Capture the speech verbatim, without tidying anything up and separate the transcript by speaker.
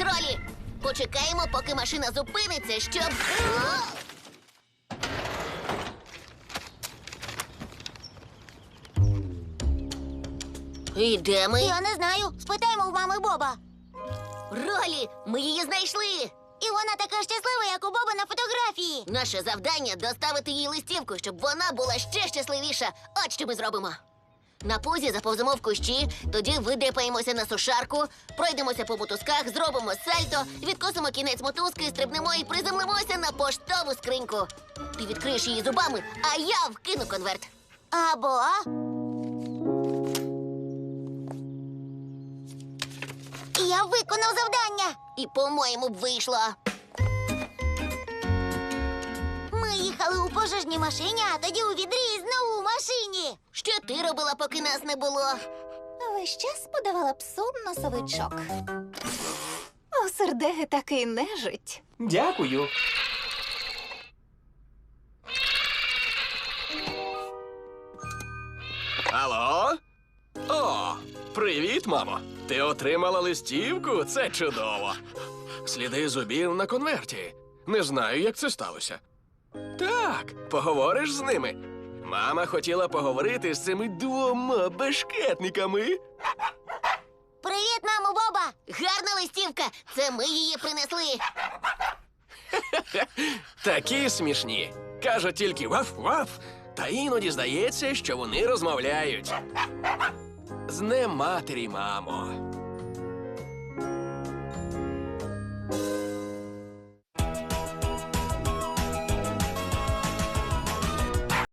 Speaker 1: Ролі! Почекаємо, поки машина зупиниться, щоб... І де ми?
Speaker 2: Я не знаю. Спитаємо у мами Боба.
Speaker 1: Ролі, ми її знайшли!
Speaker 2: І вона така щаслива, як у Боба на фотографії.
Speaker 1: Наше завдання — доставити їй листівку, щоб вона була ще щасливіша. От що ми зробимо. На пузі заповземо в кущі, тоді видепаємося на сушарку, пройдемося по мотузках, зробимо сальто, відкосимо кінець мотузки, стрибнемо і приземлимося на поштову скриньку. Ти відкриєш її зубами, а я вкину конверт.
Speaker 2: Або... Я виконав завдання.
Speaker 1: І, по-моєму, б вийшло.
Speaker 2: Ми їхали у пожежній машині, а тоді у відрі і знову у машині.
Speaker 1: Що ти робила, поки нас не було?
Speaker 3: Весь час подавала псу носовичок. У сердеги такий нежить.
Speaker 4: Дякую. Алло? О, привіт, мамо. Ти отримала листівку? Це чудово. Сліди зубів на конверті. Не знаю, як це сталося. Так, поговориш з ними. Мама хотіла поговорити з цими двома бешкетниками.
Speaker 2: Привіт, мамо Боба.
Speaker 1: Гарна листівка! Це ми її принесли.
Speaker 4: Такі смішні. Кажуть тільки ваф-ваф, та іноді здається, що вони розмовляють. З днем матері, мамо.